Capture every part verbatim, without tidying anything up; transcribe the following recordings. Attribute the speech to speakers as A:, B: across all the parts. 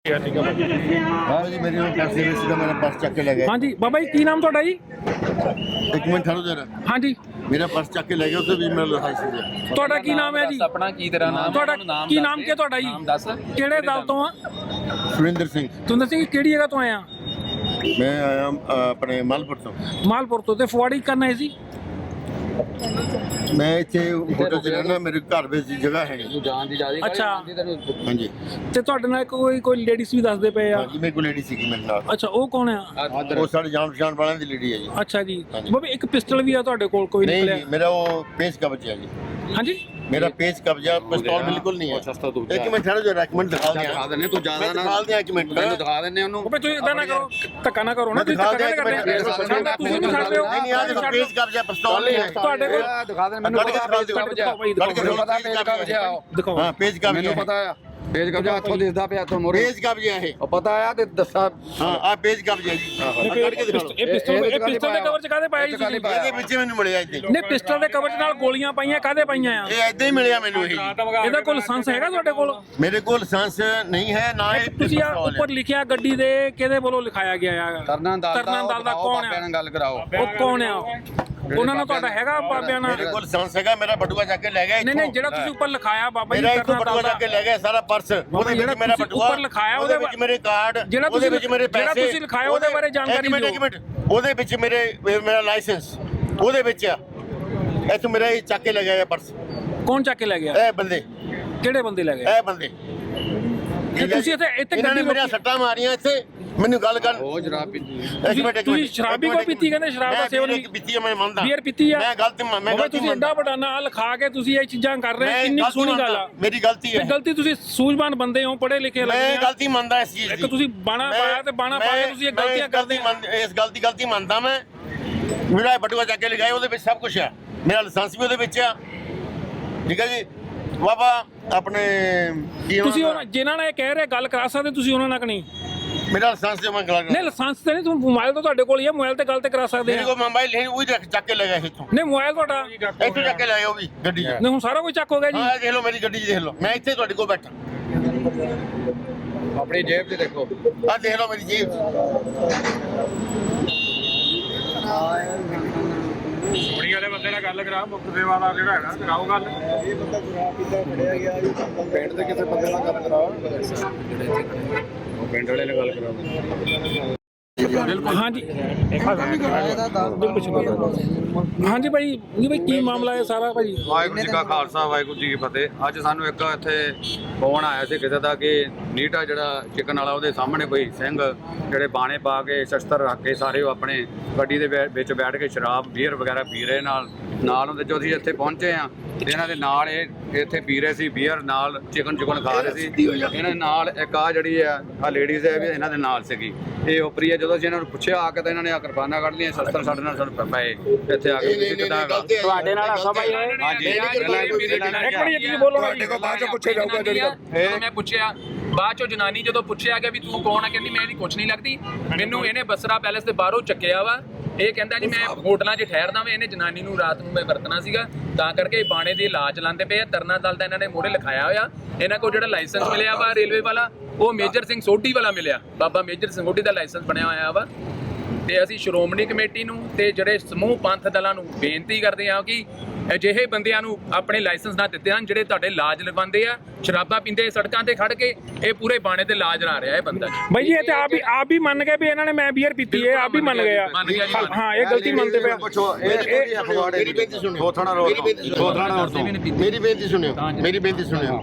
A: हाँ जी मेरी पर्स दे रहे मेरा पर्स चक के ले गए।
B: हाँ जी बाबा जी की नाम थोड़ा जी?
A: एक मिनट ठहरो जरा।
B: हाँ जी
A: मेरा पर्स चक के ले गए, उससे भी मेरा लाइसेंस
B: ਤੁਹਾਡਾ ਕੀ ਨਾਮ ਹੈ ਜੀ?
C: ਆਪਣਾ ਕੀ ਤੇਰਾ ਨਾਮ?
B: ਤੁਹਾਡਾ ਕੀ ਨਾਮ ਕੀ ਤੁਹਾਡਾ ਜੀ?
C: ਨਾਮ ਦੱਸ।
B: ਕਿਹੜੇ ਦਲ ਤੋਂ ਆ?
A: ਸੁਰਿੰਦਰ ਸਿੰਘ।
B: ਤੁਸੀਂ ਦੱਸੋ ਕਿਹੜੀ ਜਗ੍ਹਾ ਤੋਂ ਆਏ ਆ?
A: मैं आया अपने मालपुर तो।
B: ਮਾਲਪੁਰ ਤੋਂ। ਤੇ ਫੁਆੜੀ ਕਰਨ ਆਏ ਸੀ?
A: मैं इतने होटल च रहना, मेरे घर ਵਿੱਚ जगह है।
C: ਤੂੰ ਜਾਣ ਦੀ ਜਾਦੀ
B: ਅੱਛਾ।
A: हाँ जी
B: ਤੇ ਤੁਹਾਡੇ ਨਾਲ ਕੋਈ ਕੋਈ ਲੇਡੀਜ਼ ਵੀ ਦੱਸਦੇ ਪਏ ਆ?
A: हाँ जी मेरे को लेडी सी मेरे नाल।
B: ਅੱਛਾ ਉਹ ਕੌਣ ਆ?
A: वो साढ़े जान पहचान वालों की लेडी है जी।
B: ਅੱਛਾ ਜੀ
A: ਹਾਂਜੀ।
B: ਬਾਬਾ ਇੱਕ ਪਿਸਟਲ ਵੀ ਆ ਤੁਹਾਡੇ ਕੋਲ ਕੋਈ
A: नहीं
B: ਨਿਕਲਿਆ?
A: जी मेरा वो पेज कब्जा है जी।
B: हाँ जी
A: मेरा पेज कब्जा पिस्तौल बिल्कुल नहीं है।
C: ਸਸਤਾ ਤੂੰ
A: एक मिनट ठहरो जरा, एक मिनट दिखा
C: ਦਿਖਾ
A: दिया
C: ਦਿੰਨੇ ਤੂੰ ਜ਼ਿਆਦਾ ਨਾ
A: दिखा दिया एक मिनट
C: ਮੈਨੂੰ ਦਿਖਾ ਦਿੰਨੇ ਉਹਨੂੰ।
B: ਬਾਬਾ ਤੁਸੀਂ ਇਦਾਂ ਨਾ ਕਰੋ, ਧੱਕਾ ਨਾ ਕਰੋ ਨਾ, ਤੁਸੀਂ
A: दिखा
B: ਧੱਕਾ
A: दिया
B: ਨਾ
A: एक
B: ਕਰਦੇ
A: मिनट।
B: ਸਾਡਾ ਤੁਸੀਂ ਨਹੀਂ ਛੱਡ ਰਹੇ ਹੋ।
A: नहीं नहीं आज
B: ਛੱਡ
A: पेज कब्जा पिस्तौल नहीं है।
B: ਤੁਹਾਡੇ ਕੋਲ
C: ਦਿਖਾ ਦੇ ਮੈਨੂੰ
A: ਕੱਢ ਕੇ ਦਿਖਾ ਦਿਓ।
B: ਦਿਖਾਓ ਭਾਈ,
A: ਕੱਢ ਕੇ
B: ਦਿਖਾਓ
C: ਮੈਨੂੰ ਪਤਾ ਪੇਜ ਕਬਜ਼ਾ
B: ਦਿਖਾਓ।
A: हाँ पेज कब्जा
C: ਮੈਨੂੰ
A: है।
C: ਪਤਾ ਆ ਪੇਜ ਕਬਜ਼ਾ ਹੱਥੋਂ ਦਿਸਦਾ ਪਿਆ ਤੋਂ ਮੋਰੇ
A: पेज कब्जा है।
C: ਉਹ ਪਤਾ ਆ ਤੇ ਦੱਸਾ
A: हाँ आप पेज कब्जा है जी। हाँ ਕੱਢ ਕੇ ਦਿਖਾ
B: ਇਹ ਪਿਸਟਲ ਇਹ ਪਿਸਟਲ ਦੇ ਕਵਰ ਚ ਕਾਹਦੇ ਪਾਇਆ ਜੀ ਤੁਸੀਂ?
A: ਇਹਦੇ ਵਿੱਚ ਮੈਨੂੰ ਮਿਲਿਆ ਇੱਥੇ।
B: ਨੇ ਪਿਸਟਲ ਦੇ ਕਵਰ ਚ ਨਾਲ ਗੋਲੀਆਂ ਪਾਈਆਂ ਕਾਹਦੇ ਪਾਈਆਂ ਆ?
A: ਇਹ ਏਦਾਂ ਹੀ ਮਿਲਿਆ ਮੈਨੂੰ ਇਹ।
B: ਇਹਦਾ ਕੋਈ ਲਾਇਸੈਂਸ ਹੈਗਾ ਤੁਹਾਡੇ ਕੋਲ?
A: ਮੇਰੇ ਕੋਲ ਲਾਇਸੈਂਸ ਨਹੀਂ ਹੈ ਨਾ ਇਹ
B: ਤੁਸੀਂ ਆ ਉੱਪਰ ਲਿਖਿਆ ਗੱਡੀ ਦੇ ਕਿਹਦੇ ਵੱਲੋਂ ਲਿਖਾਇਆ ਗਿਆ ਆ?
C: ਤਰਨਾ ਦਲ
B: ਤਰਨਾ ਦਲ ਦਾ ਕੌਣ
C: ਬਾਬਿਆਂ
B: ਆ?
C: ਨਾਲ ਗੱਲ ਕਰਾਓ।
B: ਉਹ ਕੌਣ ਆ? ਉਹਨਾਂ ਨਾਲ ਤੁਹਾਡਾ ਹੈਗਾ ਬਾਬਿਆਂ ਨਾਲ?
A: ਮੇਰੇ ਕੋਲ ਲਾਇਸੈਂਸ ਹੈਗਾ, ਮੇਰਾ ਬਟੂਆ ਚੱਕ ਕੇ ਲੈ ਗਿਆ
B: ਨਹੀਂ ਨਹੀਂ ਜਿਹੜਾ ਤੁਸੀਂ ਉੱਪਰ ਲਿਖਾਇਆ ਬਾਬਾ ਜੀ
A: ਮੇਰਾ ਇੱਥੋਂ
B: ਤਰਨਾ
A: ਬਟੂਆ
B: ਦਲ
A: ਚੱਕ ਕੇ ਲੈ ਗਿਆ ਸਾਰਾ ਪਰਸ। ਉਹਦੇ
B: ਜਿਹੜਾ
A: ਵਿੱਚ ਮੇਰਾ
B: ਤੁਸੀਂ
A: ਬਟੂਆ
B: ਉੱਪਰ ਲਿਖਾਇਆ
A: ਉਹਦੇ
B: ਉਹਦੇ
A: ਵਿੱਚ ਮੇਰੇ ਕਾਰਡ,
B: ਜਿਹੜਾ
A: ਉਹਦੇ
B: ਤੁਸੀਂ
A: ਵਿੱਚ ਮੇਰੇ
B: ਜਿਹੜਾ
A: ਪੈਸੇ,
B: ਤੁਸੀਂ ਲਿਖਾਇਆ ਉਹਦੇ ਬਾਰੇ ਜਾਣਕਾਰੀ
A: ਇੱਕ ਮਿੰਟ ਇੱਕ ਮਿੰਟ ਉਹਦੇ ਵਿੱਚ ਮੇਰੇ ਮੇਰਾ ਲਾਇਸੈਂਸ ਉਹਦੇ ਵਿੱਚ ਆ। ਇੱਥੋਂ ਮੇਰਾ ਇਹ ਚੱਕ ਕੇ ਲੈ ਗਿਆ ਪਰਸ।
B: ਕੌਣ ਚੱਕ ਕੇ ਲੈ ਗਿਆ?
A: ਇਹ ਬੰਦੇ
B: ਕਿਹੜੇ ਬੰਦੇ ਲੈ ਗਏ?
A: ਇਹ ਬੰਦੇ
B: ਤੇ ਤੁਸੀਂ ਇੱਥੇ ਇੱਥੇ
A: ਇਹਨਾਂ ਨੇ
B: ਗੱਡੀ
A: ਮੇਰੀਆਂ ਸੱਟਾਂ ਮਾਰੀਆਂ ਇੱਥੇ। ਮੈਨੂੰ ਗੱਲ ਕਰ
C: ਉਹ ਜਰਾਬ ਪੀ
A: ਇੱਕ ਮਿੰਟ ਇੱਕ
B: ਤੁਸੀਂ
A: ਮਿੰਟ
B: ਸ਼ਰਾਬ ਵੀ ਕੋਈ ਪੀਤੀ? ਕਹਿੰਦੇ ਸ਼ਰਾਬ ਦਾ ਸੇਵਨ ਵੀ
A: ਪੀਤੀ ਹੈ, ਮੈਂ ਮੰਨਦਾ।
B: ਬੀਅਰ ਪੀਤੀ ਆ?
A: ਮੈਂ ਗਲਤ ਮੈਂ
B: ਬਾਬਾ
A: ਗਲਤੀ
B: ਤੁਸੀਂ ਐਡਾ ਵੱਡਾ ਨਾਂ ਲਿਖਾ ਕੇ ਤੁਸੀਂ ਇਹ ਚੀਜ਼ਾਂ ਕਰ ਰਹੇ ਹੋ, ਕਿੰਨੀ
A: ਗਲਤੀ
B: ਸੋਹਣੀ ਗੱਲ
A: ਮੰਨਦਾ,
B: ਆ।
A: ਮੇਰੀ ਗਲਤੀ
B: ਤੇ
A: ਹੈ।
B: ਗਲਤੀ ਤੁਸੀਂ ਸੂਝਵਾਨ ਬੰਦੇ ਹੋ, ਪੜ੍ਹੇ ਲਿਖੇ
A: ਮੈਂ
B: ਲੱਗਦੇ ਆ।
A: ਗਲਤੀ ਮੰਨਦਾ ਇਸ ਚੀਜ਼ ਦੀ।
B: ਇੱਕ ਤੁਸੀਂ ਬਾਣਾ
A: ਮੈਂ-
B: ਪਾਇਆ ਤੇ ਬਾਣਾ
A: ਮੈਂ-
B: ਪਾ ਕੇ ਤੁਸੀਂ ਇਹ
A: ਮੈਂ
B: ਗਲਤੀਆਂ
A: ਇਸ
B: ਕਰਦੇ
A: ਗਲਤੀ ਮੰਨ- ਇਸ ਗਲਤੀ ਗਲਤੀ ਮੰਨਦਾ ਮੈਂ। ਮੇਰਾ ਇਹ ਬਟੂਆ ਚੱਕ ਕੇ ਲਗਾਇਆ, ਉਹਦੇ ਵਿੱਚ ਸਭ ਕੁਝ ਆ। ਮੇਰਾ ਲਾਇਸੈਂਸ ਵੀ ਉਹਦੇ ਵਿੱਚ ਆ। ਠੀਕ ਹੈ ਜੀ ਬਾਬਾ ਆਪਣੇ ਕੀ
B: ਤੁਸੀਂ
A: ਉਹਨਾਂ
B: ਉਹਨਾਂ ਜਿਨ੍ਹਾਂ ਨਾਲ ਇਹ ਕਹਿ ਰਹੇ ਗੱਲ ਕਰਾ ਸਕਦੇ ਤੁਸੀਂ ਉਹਨਾਂ ਨਾਲ ਕਿ ਨਹੀਂ?
A: ਦਾ- ਮੇਰਾ ਲਾਇਸੈਂਸ ਜਮਾ ਕਰਾ
B: ਨਹੀਂ ਲਾਇਸੈਂਸ ਤੇ ਨਹੀਂ, ਤੁਸੀਂ ਮੋਬਾਈਲ ਤਾਂ ਤੁਹਾਡੇ ਕੋਲ ਹੀ ਹੈ, ਮੋਬਾਈਲ ਤੇ ਗੱਲ ਤੇ ਕਰਾ ਸਕਦੇ
A: ਮੇਰੇ
B: ਆ।
A: ਕੋਲ ਮੋਬਾਈਲ ਹੈ, ਉਹ ਹੀ ਚੱਕ ਕੇ ਲਗਾਇਆ ਇੱਥੋਂ।
B: ਨਹੀਂ ਮੋਬਾਈਲ ਤੁਹਾਡਾ
A: ਇੱਥੋਂ ਚੱਕ ਕੇ ਲਾਇਆ ਉਹ ਵੀ ਗੱਡੀ 'ਚ।
B: ਨਹੀਂ ਹੁਣ ਸਾਰਾ ਕੁਝ ਚੱਕ ਹੋ ਗਿਆ ਜੀ।
A: ਹਾਂ ਇਹ ਦੇਖ ਲਓ ਮੇਰੀ ਗੱਡੀ 'ਚ ਦੇਖ ਲਓ, ਮੈਂ ਇੱਥੇ ਤੁਹਾਡੇ ਕੋਲ ਬੈਠਾ।
C: ਆਪਣੀ ਜੇਬ 'ਚ ਦੇਖੋ।
A: ਆਹ ਦੇਖ ਲਓ ਮੇਰੀ ਜੇਬ 'ਚ।
D: ਕੁੜੀ ਵਾਲੇ ਬੰਦੇ ਨਾਲ ਗੱਲ ਕਰਾ, ਮੁੱਖ ਸੇਵਾ ਦਾ ਜਿਹੜਾ ਹੈਗਾ ਕਰਾਓ ਗੱਲ।
A: ਇਹ ਬੰਦਾ ਸ਼ਰਾਬ ਪੀਤਾ ਫੜਿਆ ਗਿਆ ਜੀ। ਪਿੰਡ ਦੇ ਕਿਸੇ ਬੰਦੇ ਨਾਲ ਗੱਲ ਕਰਾਓ।
D: ਉਹ ਪਿੰਡ ਵਾਲੇ ਨਾਲ ਗੱਲ ਕਰਾਓ।
B: ਹਾਂਜੀ ਹਾਂਜੀ ਭਾਈ ਜੀ ਭਾਈ ਕੀ ਮਾਮਲਾ ਹੈ ਸਾਰਾ ਭਾਈ?
C: ਵਾਹਿਗੁਰੂ ਜੀ ਕਾ ਖਾਲਸਾ ਵਾਹਿਗੁਰੂ ਜੀ ਕੀ ਫਤਿਹ। ਅੱਜ ਸਾਨੂੰ ਇੱਕ ਇੱਥੇ ਫੋਨ ਆਇਆ ਸੀ ਕਿਸੇ ਦਾ ਕਿ ਨੀਟਾ ਜਿਹੜਾ ਚਿਕਨ ਵਾਲਾ ਉਹਦੇ ਸਾਹਮਣੇ ਕੋਈ ਸਿੰਘ ਜਿਹੜੇ ਬਾਣੇ ਪਾ ਕੇ ਸ਼ਸਤਰ ਰੱਖ ਕੇ ਸਾਰੇ ਉਹ ਆਪਣੇ ਗੱਡੀ ਦੇ ਵਿ- ਵਿੱਚ ਬੈਠ ਕੇ ਸ਼ਰਾਬ ਬੀਅਰ ਵਗੈਰਾ ਪੀ ਰਹੇ ਨਾਲ ਨਾਲ ਹੁੰਦੇ। ਜੋ ਅਸੀਂ ਇੱਥੇ ਪਹੁੰਚੇ ਆ ਤੇ ਇਹਨਾਂ ਦੇ ਨਾਲ ਇਹ ਇੱਥੇ ਪੀ ਰਹੇ ਸੀ ਬੀਅਰ, ਨਾਲ ਚਿਕਨ ਚਿਕਨ ਖਾ ਰਹੇ ਸੀ। ਇਹਨਾਂ ਦੇ ਨਾਲ ਇੱਕ ਆ ਜਿਹੜੀ ਆ ਆ ਲੇਡੀਜ਼ ਹੈ ਵੀ ਇਹਨਾਂ ਦੇ ਨਾਲ ਸੀਗੀ। ਇਹ ਉਪਰੀ ਹੈ। ਜਦੋਂ ਅਸੀਂ ਇਹਨਾਂ ਨੂੰ ਪੁੱਛਿਆ ਆ ਕੇ ਤਾਂ ਇਹਨਾਂ ਨੇ ਆ ਕਿਰਪਾਨਾਂ ਕੱਢ ਲਈਆਂ, ਸ਼ਸਤਰ ਸਾਡੇ ਨਾਲ ਸਾਨੂੰ ਪਏ ਇੱਥੇ ਆ ਕੇ ਤੁਸੀਂ ਕਿੱਦਾਂ ਹੈਗਾ?
B: ਤੁਹਾਡੇ ਨਾਲ ਹਾਸਾ ਭਾਈ ਹੈ?
C: ਹਾਂਜੀ
B: ਇੱਕ ਮਿੰਟ ਤੁਸੀਂ ਬੋਲੋ ਨਾ ਜੀ।
C: ਬਾਅਦ ਚੋਂ ਪੁੱਛਿਆ ਜਾਊਗਾ ਜਿਹੜੀ
E: ਜਦੋਂ ਮੈਂ ਪੁੱਛਿਆ ਬਾਅਦ ਚੋਂ ਜਨਾਨੀ ਜਦੋਂ ਪੁੱਛਿਆ ਗਿਆ ਵੀ ਤੂੰ ਕੌਣ ਆ, ਕਹਿੰਦੀ ਮੈਂ ਇਹਦੀ ਕੁਛ ਨਹੀਂ ਲੱਗਦੀ। ਮੈਨੂੰ ਇਹਨੇ ਬਸਰਾ ਪੈਲੇਸ ਦੇ ਬਾਹਰੋਂ ਚੱਕਿਆ ਵਾ। ਇਹ ਕਹਿੰਦਾ ਜੀ ਮੈਂ ਹੋਟਲਾਂ 'ਚ ਠਹਿਰਦਾ ਵਾਂ। ਇਹਨੇ ਜਨਾਨੀ ਨੂੰ ਰਾਤ ਨੂੰ ਮੈਂ ਵਰਤਣਾ ਸੀਗਾ, ਤਾਂ ਕਰਕੇ ਬਾਣੇ ਦੀ ਲਾਜ ਲਾਉਂਦੇ ਪਏ ਆ। ਤਰਨਾ ਦਲ ਦਾ ਇਹਨਾਂ ਨੇ ਮੋਹਰੇ ਲਿਖਾਇਆ ਹੋਇਆ। ਇਹਨਾਂ ਕੋਲ ਜਿਹੜਾ ਲਾਇਸੈਂਸ ਮਿਲਿਆ ਵਾ ਰੇਲਵੇ ਵਾਲਾ, ਉਹ ਮੇਜਰ ਸਿੰਘ ਸੋਢੀ ਵਾਲਾ ਮਿਲਿਆ। ਬਾਬਾ ਮੇਜਰ ਸਿੰਘ ਸੋਢੀ ਦਾ ਲਾਇਸੈਂਸ ਬਣਿਆ ਹੋਇਆ ਵਾ। ਤੇ ਅਸੀਂ ਸ਼੍ਰੋਮਣੀ ਕਮੇਟੀ ਨੂੰ ਤੇ ਜਿਹੜੇ ਸਮੂਹ ਪੰਥ ਦਲਾਂ ਨੂੰ ਬੇਨਤੀ ਕਰਦੇ ਹਾਂ ਕਿ ਅਜਿਹੇ ਬੰਦਿਆਂ ਨੂੰ ਆਪਣੇ ਲਾਇਸੈਂਸ ਨਾ ਦਿੱਤੇ ਹਨ ਜਿਹੜੇ ਤੁਹਾਡੇ ਲਾਜ ਲਗਵਾਉਂਦੇ ਆ, ਸ਼ਰਾਬਾਂ ਪੀਂਦੇ ਸੜਕਾਂ ਤੇ ਖੜ ਕੇ ਇਹ ਪੂਰੇ ਬਾਣੇ ਤੇ ਲਾਜ ਲਾ ਰਿਹਾ ਇਹ ਬੰਦਾ।
B: ਭਾਈ ਜੀ ਇਹ ਤੇ ਆਪ ਵੀ ਆਪ ਵੀ ਮੰਨ ਗਏ ਵੀ ਇਹਨਾਂ ਨੇ ਮੈਂ ਬੀਅਰ ਪੀਤੀ ਹੈ, ਆਪ ਵੀ ਮੰਨ ਗਏ ਆ।
E: ਮੰਨ ਗਿਆ ਜੀ, ਮੰਨ
B: ਹਾਂ ਇਹ ਗਲਤੀ ਮੰਨਦੇ ਪਏ ਆ।
C: ਪੁੱਛੋ ਇਹ ਅਖਵਾੜੇ
A: ਮੇਰੀ ਬੇਨਤੀ ਸੁਣਿਓ।
C: ਥੋਥਾਣਾ ਰੋਡ ਤੋਂ ਥੋਥਾਣਾ ਰੋਡ ਤੋਂ
A: ਮੇਰੀ ਬੇਨਤੀ ਸੁਣਿਓ, ਮੇਰੀ ਬੇਨਤੀ ਸੁਣਿਓ।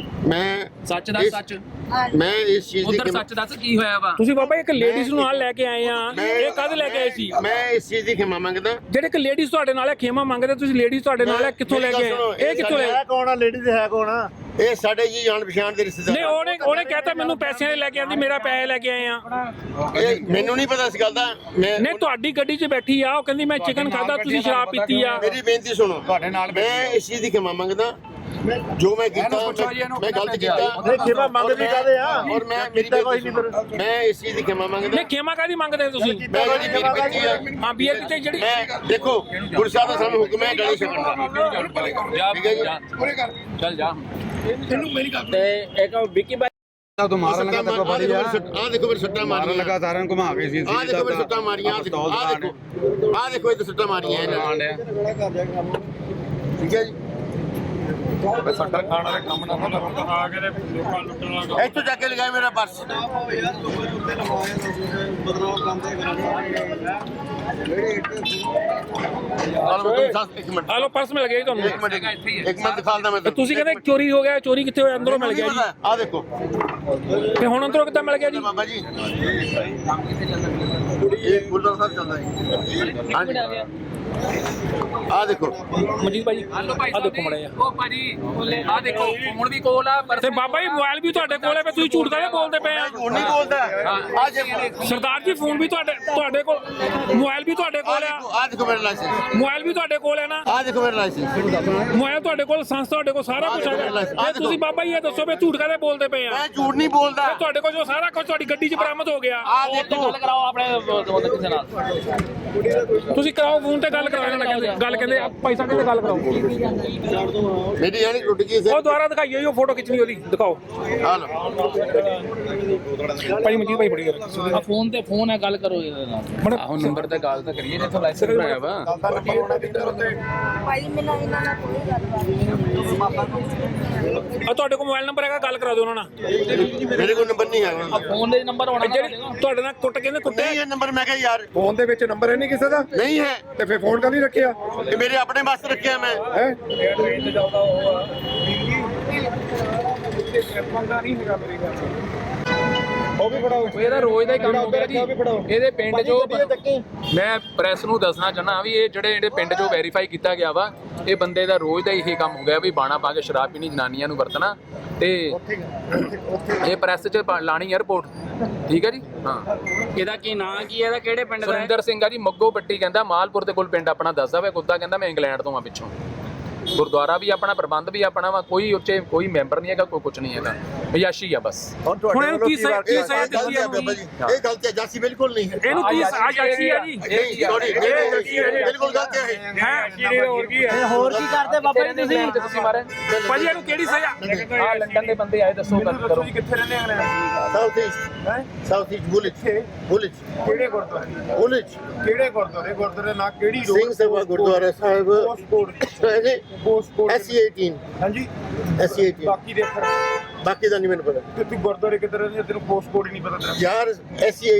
A: ਮੈਂ
E: ਸੱਚ ਦਾ
A: ਇਸ-
E: ਸੱਚ
A: ਮੈਂ ਇਸ ਚੀਜ਼ ਦੀ
E: ਉਧਰ ਸੱਚ ਦੱਸ ਕੀ ਹੋਇਆ ਵਾ?
B: ਤੁਸੀਂ ਬਾਬਾ ਇੱਕ ਲੇਡੀਜ਼ ਨੂੰ ਨਾਲ ਲੈ ਕੇ ਆਏ ਆ, ਇਹ ਕਦ ਲੈ ਕੇ ਆਏ ਸੀ?
A: ਮੈਂ ਇਸ ਚੀਜ਼ ਦੀ ਖਿਮਾ ਮੰਗਦਾ।
B: ਜਿਹੜੇ ਇੱਕ ਲੇਡੀਜ਼ ਤੁਹਾਡੇ ਨਾਲ ਹੈ ਖੇਮਾ ਮੰਗਦੇ, ਤੁਸੀਂ ਲੇਡੀਜ਼ ਤੁਹਾਡੇ ਨਾਲ ਹੈ ਕਿੱਥੋਂ ਲੈ ਕੇ ਆਏ? ਇਹ ਕਿੱਥੋਂ ਲੈ?
A: ਕੌਣ ਆ ਲੇਡੀ ਤੇ ਹੈ ਕੌਣ ਆ? ਇਹ ਸਾਡੇ ਜੀ ਜਾਣ ਪਛਾਣ ਦੇ ਰਿਸ਼ਤੇਦਾਰ।
B: ਨਹੀਂ ਉਹਨੇ ਉਹਨੇ ਕਹਿਤਾ ਮੈਨੂੰ ਪੈਸਿਆਂ ਦੇ ਲੈ ਕੇ ਆਂਦੀ, ਮੇਰਾ ਪੈਸੇ ਲੈ ਕੇ ਆਏ ਆ।
A: ਇਹ ਮੈਨੂੰ ਨਹੀਂ ਪਤਾ ਇਸ ਗੱਲ ਦਾ। ਮੈਂ
B: ਨਹੀਂ ਤੁਹਾਡੀ ਗੱਡੀ 'ਚ ਬੈਠੀ ਆ, ਉਹ ਕਹਿੰਦੀ ਮੈਂ ਚਿਕਨ ਖਾਦਾ, ਤੁਸੀਂ ਸ਼ਰਾਬ ਪੀਤੀ ਆ।
A: ਮੇਰੀ ਬੇਨਤੀ ਸੁਣੋ,
C: ਤੁਹਾਡੇ ਨਾਲ
A: ਮੈਂ ਇਸ ਚੀਜ਼ ਦੀ ਖਿਮਾ ਮੰਗਦਾ। ਜੋ ਮੈਂ ਕੀਤਾ ਮੈਂ ਗਲਤ ਕੀਤਾ।
C: ਨਹੀਂ
A: ਖਿਮਾ ਮੰਗਦੇ ਕਾਦੇ ਆ? ਔਰ ਮੈਂ ਮੇਰੀ ਬੇਨਤੀ ਸੁਣੋ, ਮੈਂ ਇਸ ਚੀਜ਼ ਦੀ ਖਿਮਾ ਮੰਗਦਾ।
B: ਨਹੀਂ ਖੇਮਾ ਕਾਦੀ ਮੰਗਦੇ ਤੁਸੀਂ?
A: ਮੈਂ ਜਿਹੜੀ ਮੇਰੀ ਬੇਨਤੀ ਆ,
B: ਹਾਂ ਬੀਅਰ ਕਿਤੇ ਜਿਹੜੀ
A: ਮੈਂ ਦੇਖੋ ਗੁਰੂ ਸਾਹਿਬ ਦਾ ਸਾਨੂੰ ਹੁਕਮ ਹੈ ਗਲੀ ਛੱਡਣ ਦਾ।
E: ਜਾ
A: ਠੀਕ ਹੈ ਜੀ।
E: ਚੱਲ ਜਾ।
B: ਤੇ ਇੱਕ ਵਿੱਕੀ
C: ਤੋਂ ਮਾਰਨ ਲੱਗਾ ਤੇ ਬੜੀ ਆ
A: ਆ ਦੇਖੋ ਮੇਰੇ ਸੱਟਾਂ
C: ਮਾਰਨ
A: ਮਾਰੀਆਂ
C: ਲੱਗਾ ਸਾਰਿਆਂ ਨੂੰ ਘੁਮਾ ਕੇ ਸੀ
A: ਆ ਦੇਖੋ ਮੇਰੇ ਸੱਟਾਂ ਮਾਰੀਆਂ ਆ ਦੇਖੋ ਆ ਦੇਖੋ ਆ ਦੇਖੋ ਇਹ ਸੱਟਾਂ ਮਾਰੀਆਂ ਇਹਨਾਂ ਨੇ ਠੀਕ ਹੈ ਜੀ
D: ਸੱਟਾਂ ਖਾਣ ਵਾਲੇ ਕੰਮ ਨਾ ਕਰੋ ਆ ਕੇ ਲੋਕਾਂ ਲੁੱਟਣ ਲੱਗ
A: ਇੱਥੋਂ ਜਾ ਕੇ ਲਗਾਏ ਮੇਰਾ ਪਰਸ ਇੱਕ ਮਿੰਟ
B: ਆ ਲੋ ਪਰਸ ਮਿਲ ਗਿਆ ਜੀ ਤੁਹਾਨੂੰ
A: ਇੱਕ ਮਿੰਟ ਇੱਕ ਮਿੰਟ ਦਿਖਾਉਂਦਾ ਮੈਂ
B: ਤੇ ਤੁਸੀਂ ਕਹਿੰਦੇ ਚੋਰੀ ਹੋ ਗਿਆ ਚੋਰੀ ਕਿੱਥੇ ਹੋਇਆ ਅੰਦਰੋਂ ਮਿਲ ਗਿਆ ਜੀ
A: ਆ ਦੇਖੋ
B: ਤੇ ਹੁਣ ਅੰਦਰੋਂ ਕਿੱਦਾਂ ਮਿਲ ਗਿਆ ਜੀ
A: ਬਾਬਾ ਜੀ ਇਹ ਗੁਰਦੁਆਰਾ ਸਾਹਿਬ ਚੱਲਦਾ ਜੀ ਹਾਂਜੀ ਆ ਦੇਖੋ
B: ਮਨਜੀਤ ਭਾਈ
E: ਹਲੋ ਭਾਈ
B: ਆ ਦੇਖੋ ਮੜਿਆ
E: ਉਹ ਭਾਜੀ ਆ ਦੇਖੋ ਫੋਨ ਵੀ ਕੋਲ ਆ ਪਰ
B: ਤੇ ਬਾਬਾ ਜੀ ਮੋਬਾਈਲ ਵੀ ਤੁਹਾਡੇ ਕੋਲ ਹੈ, ਫਿਰ ਤੁਸੀਂ ਝੂਠ ਕਾਹਦੇ ਬੋਲਦੇ ਪਏ ਆ?
A: ਝੂਠ ਨਹੀਂ ਬੋਲਦਾ ਆ ਜੇ
B: ਸਰਦਾਰ ਜੀ ਫੋਨ ਵੀ ਤੁਹਾਡੇ ਤੁਹਾਡੇ ਕੋਲ, ਮੋਬਾਈਲ ਵੀ ਤੁਹਾਡੇ ਕੋਲ ਆ,
A: ਆ ਦੇਖੋ ਮੇਰਾ ਲਾਇਸੈਂਸ
B: ਮੋਬਾਈਲ ਵੀ ਤੁਹਾਡੇ ਕੋਲ ਹੈ ਨਾ,
A: ਆ ਦੇਖੋ ਮੇਰਾ ਲਾਇਸੈਂਸ
B: ਮੋਬਾਈਲ ਤੁਹਾਡੇ ਕੋਲ, ਸੰਸ ਤੁਹਾਡੇ ਕੋਲ, ਸਾਰਾ ਕੁਝ ਹੈਗਾ। ਤੇ ਤੁਸੀਂ ਬਾਬਾ ਜੀ ਇਹ ਦੱਸੋ ਵੀ ਝੂਠ ਕਾਹਦੇ ਬੋਲਦੇ ਪਏ ਆ?
A: ਮੈਂ ਝੂਠ ਨਹੀਂ ਬੋਲਦਾ
B: ਤੇ ਤੁਹਾਡੇ ਕੋਲ ਜੋ ਸਾਰਾ ਕੁਝ ਤੁਹਾਡੀ ਗੱਡੀ 'ਚ ਬਰਾਮਦ ਹੋ ਗਿਆ,
A: ਆ ਦੇਖੋ
E: ਕਰਾਓ ਆਪਣੇ ਕਿਸੇ ਨਾਲ
B: ਤੁਸੀਂ ਕਰਾਓ ਫੋਨ ਤੇ ਗੱਲ ਕਰਾਓ ਇਹਨਾਂ ਨਾਲ, ਗੱਲ ਕਹਿੰਦੇ ਪੈਸਾ ਕਹਿੰਦੇ ਗੱਲ ਕਰਾਓ।
A: ਮੇਰੀ ਯਾਨੀ ਟੁੱਟ ਗਈ ਸੀ
B: ਉਹ ਦੁਬਾਰਾ ਦਿਖਾਈਏ ਜੀ, ਉਹ ਫੋਟੋ ਖਿੱਚਣੀ ਉਹਦੀ ਦਿਖਾਓ
A: ਆ ਲਓ
B: ਭਾਈ ਮਨਜੀਤ ਭਾਈ ਫੜੀ ਕਰ
E: ਆ ਫੋਨ ਤੇ ਫੋਨ ਹੈ ਗੱਲ ਕਰੋ ਇਹਦੇ ਨਾਲ ਆਹੋ ਨੰਬਰ ਤੇ ਗੱਲ ਤਾਂ ਕਰੀਏ ਜਿੱਥੋਂ ਲਾਇਸੈਂਸ ਬਣਾਇਆ ਵਾ
F: ਭਾਈ ਮੈਨੂੰ ਇਹਨਾਂ ਨਾਲ ਕੋਈ ਗੱਲਬਾਤ ਨਹੀਂ।
B: ਆ ਤੁਹਾਡੇ ਕੋਲ ਮੋਬਾਈਲ ਨੰਬਰ ਹੈਗਾ, ਗੱਲ ਕਰਾ ਦਿਓ ਉਹਨਾਂ ਨਾਲ।
A: ਮੇਰੇ ਕੋਲ ਨੰਬਰ ਨਹੀਂ ਹੈ
E: ਫੋਨ ਦੇ ਨੰਬਰ ਹੋਣਾ
B: ਜਿਹੜੀ ਤੁਹਾਡੇ ਨਾਲ ਕੁੱਟ ਕਹਿੰਦੇ ਕੁੱਟੇ
A: ਨਹੀਂ ਇਹ ਨੰਬਰ ਮੈਂ ਕਿਹਾ ਯਾਰ
D: ਫੋਨ ਦੇ ਵਿੱਚ ਨੰਬਰ ਹੈ ਨਹੀਂ ਕਿਸੇ ਦਾ
A: ਨਹੀਂ ਹੈ
D: ਤੇ ਫਿਰ ਫੋਨ ਕਰ ਨਹੀਂ ਰੱਖਿਆ
A: ਇਹ ਮੇਰੇ ਆਪਣੇ ਵਾਸਤੇ ਰੱਖਿਆ ਮੈਂ
D: ਹੈ ਉਹ ਵੀ ਫੜਾਓ
E: ਇਹਦਾ ਰੋਜ਼ ਦਾ ਹੀ ਕੰਮ ਹੋ ਗਿਆ ਜੀ। ਇਹਦੇ ਪਿੰਡ ਜੋ ਮੈਂ ਪ੍ਰੈਸ ਨੂੰ ਦੱਸਣਾ ਚਾਹਨਾ ਵੀ ਇਹ ਜਿਹੜੇ ਜਿਹੜੇ ਪਿੰਡ ਜੋ ਵੈਰੀਫਾਈ ਕੀਤਾ ਗਿਆ ਵਾ, ਇਹ ਬੰਦੇ ਦਾ ਰੋਜ਼ ਦਾ ਇਹੀ ਕੰਮ ਹੋ ਗਿਆ ਵੀ ਬਾਣਾ ਪਾ ਕੇ ਸ਼ਰਾਬ ਪੀਣੀ, ਜਨਾਨੀਆਂ ਨੂੰ ਵਰਤਣਾ, ਤੇ ਇਹ ਪ੍ਰੈਸ 'ਚ ਪਾ- ਲਾਣੀ 에ਅਰਪੋਰਟ। ਠੀਕ ਹੈ ਜੀ। ਹਾਂ
G: ਇਹਦਾ ਕੀ ਨਾਂ ਕੀ ਹੈ, ਇਹਦਾ ਕਿਹੜੇ ਪਿੰਡ ਦਾ ਹੈ?
E: ਸੁਰਿੰਦਰ ਸਿੰਘ ਆ ਜੀ, ਮੱਗੋ ਪੱਟੀ ਕਹਿੰਦਾ, ਮਾਲਪੁਰ ਦੇ ਕੋਲ ਪਿੰਡ ਆਪਣਾ ਦੱਸਦਾ ਵਾ। ਕੁੱਤਾ ਕਹਿੰਦਾ ਮੈਂ ਇੰਗਲੈਂਡ ਤੋਂ ਆ ਪਿੱਛੋਂ। ਗੁਰਦੁਆਰਾ ਵੀ ਆਪਣਾ, ਪ੍ਰਬੰਧ ਵੀ ਆਪਣਾ ਵਾ, ਕੋਈ ਉੱਚੇ ਕੋਈ ਮੈਂਬਰ ਨਹੀਂ ਹੈਗਾ, ਕੋਈ ਕੁਝ ਨਹੀਂ ਹੈਗਾ, ਬਿਆਸ਼ੀ ਆ ਬਸ।
B: ਹੁਣ ਇਹਨੂੰ ਕੀ ਸਜ਼ਾ ਕੀ ਸਜ਼ਾ ਦਿੱਤੀ ਹੈ?
A: ਬਾਬਾ ਜੀ ਇਹ ਗਲਤੀ ਹੈ, ਜਾਸੀ ਬਿਲਕੁਲ ਨਹੀਂ ਹੈ
B: ਇਹਨੂੰ ਕੀ ਆਜ਼ਾਦੀ ਹੈ ਜੀ?
A: ਨਹੀਂ ਸੌਰੀ ਬਿਲਕੁਲ ਗਲਤੀ ਹੈ
B: ਹੈ ਹੋਰ ਕੀ ਹੈ?
G: ਹੋਰ ਕੀ ਕਰਦੇ ਬਾਬਾ ਜੀ ਤੁਸੀਂ?
E: ਤੁਸੀਂ ਮਾਰੇ
B: ਭਾਜੀ ਇਹਨੂੰ ਕਿਹੜੀ ਸਜ਼ਾ?
E: ਆ ਲੰਡਨ ਦੇ ਬੰਦੇ ਆਏ, ਦੱਸੋ ਗੱਲ ਕਰੋ।
B: ਕਿੱਥੇ ਰਹਿੰਦੇ ਆ?
A: ਸਾਊਥ ਈਸਟ ਹੈ ਸਾਊਥ ਈਸਟ ਬੁਲਿਚ ਬੁਲਿਚ
D: ਕਿਹੜੇ ਗੁਰਦੁਆਰੇ
A: ਬੁਲਿਚ
D: ਕਿਹੜੇ ਗੁਰਦੁਆਰੇ ਗੁਰਦੁਆਰੇ ਨਾ ਕਿਹੜੀ
A: ਸਿੰਘ ਸਭਾ ਗੁਰਦੁਆਰਾ ਸਾਹਿਬ ਐਸ ਸੀ ਅਠਾਰਾਂ
D: ਹਾਂਜੀ
A: ਐਸ ਸੀ ਅਠਾਰਾਂ
D: ਬਾਕੀ ਦੇ ਫਿਰ
A: ਬਾਕੀ ਦਾ ਨਹੀਂ ਮੈਨੂੰ ਪਤਾ
D: ਤੇ ਤੂੰ ਗੁਰਦੁਆਰੇ ਕਿੱਧਰ ਰਹਿੰਦੇ ਤੈਨੂੰ ਪੋਸਟ ਕੋਡ ਹੀ ਨਹੀਂ ਪਤਾ ਤੇਰਾ
A: ਯਾਰ ਐਸ ਸੀ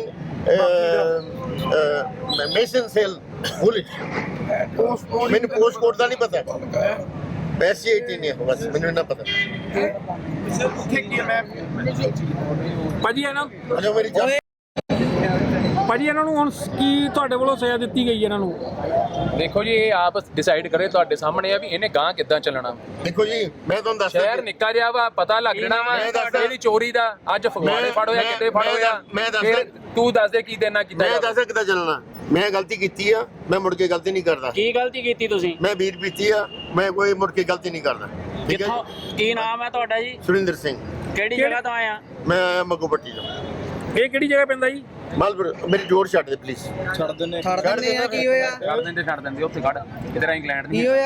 A: ਅਠਾਰਾਂ ਮੈਸਨ ਸੈਲ ਬੁਲਿਚ
D: ਪੋਸਟ ਕੋਡ
A: ਮੈਨੂੰ ਪੋਸਟ ਕੋਡ ਦਾ ਨਹੀਂ ਪਤਾ ਐਸ ਸੀ ਅਠਾਰਾਂ ਨਹੀਂ ਹੈ ਬਸ ਮੈਨੂੰ ਨਾ ਪਤਾ
D: ਉੱਥੇ ਕੀ ਹੈ ਮੈਂ
B: ਭਾਜੀ ਇਹਨਾਂ
A: ਅਜਾ ਮੇਰੀ ਜਾਨ
B: ਭਾਜੀ ਇਹਨਾਂ ਨੂੰ ਹੁਣ ਕੀ ਤੁਹਾਡੇ ਵੱਲੋਂ ਸਜ਼ਾ ਦਿੱਤੀ ਗਈ ਇਹਨਾਂ ਨੂੰ?
E: ਦੇਖੋ ਜੀ ਇਹ ਆਪ ਡਿਸਾਈਡ ਕਰੇ, ਤੁਹਾਡੇ ਸਾਹਮਣੇ ਆ ਵੀ ਇਹਨੇ ਗਾਂ ਕਿੱਦਾਂ ਚੱਲਣਾ।
A: ਦੇਖੋ ਜੀ ਮੈਂ ਤੁਹਾਨੂੰ ਦੱਸਦਾ
E: ਸ਼ਹਿਰ ਨਿੱਕਾ ਜਿਹਾ ਵਾ, ਪਤਾ ਲੱਗ ਜਾਣਾ ਵਾ
A: ਮੈਂ ਦੱਸਦਾ-
E: ਇਹਦੀ ਚੋਰੀ ਦਾ। ਅੱਜ ਫਗਵਾੜੇ
A: ਮੈਂ-
E: ਫੜੋਇਆ,
A: ਮੈਂ-
E: ਕਿਤੇ
A: ਮੈਂ
E: ਫੜੋਇਆ,
A: ਦੱਸ- ਮੈਂ ਦੱਸਦਾ-
E: ਫਿਰ ਤੂੰ ਦੱਸ ਦੇ ਕੀ ਦੇਣਾ ਕੀਤਾ
A: ਮੈਂ
E: ਜਾਵੇ।
A: ਦੱਸਦਾ ਕਿੱਦਾਂ ਚੱਲਣਾ। ਮੈਂ ਗਲਤੀ ਕੀਤੀ ਆ, ਮੈਂ ਮੁੜ ਕੇ ਗਲਤੀ ਨਹੀਂ ਕਰਦਾ।
G: ਕੀ ਗਲਤੀ ਕੀਤੀ ਤੁਸੀਂ?
A: ਮੈਂ ਵੀਰ ਪੀਤੀ ਆ, ਮੈਂ ਕੋਈ ਮੁੜ ਕੇ ਗਲਤੀ ਨਹੀਂ ਕਰਦਾ। ਠੀਕ ਹੈ
G: ਕਿੱਥੋਂ
A: ਜੀ?
G: ਕੀ ਨਾਮ ਹੈ ਤੁਹਾਡਾ ਜੀ?
A: ਸੁਰਿੰਦਰ ਸਿੰਘ
G: ਕਿਹੜੀ ਜਗ੍ਹਾ ਤੋਂ ਆਏ ਆ?
A: ਮੈਂ ਆਇਆ ਮੱਗੋ ਪੱਟੀ ਤੋਂ।
B: ਇਹ ਕਿਹੜੀ ਜਗ੍ਹਾ ਪੈਂਦਾ ਜੀ?
A: ਮਾਲਪੁਰ ਮੇਰੀ ਜੋੜ ਛੱਡ ਦੇ ਪਲੀਜ਼।
G: ਛੱਡ ਦਿੰਦੇ ਆ, ਕੀ ਹੋਇਆ?
E: ਛੱਡ ਦਿੰਦੇ ਛੱਡ ਦਿੰਦੇ ਉੱਥੇ ਖੜ, ਇਧਰ ਇੰਗਲੈਂਡ ਦੀ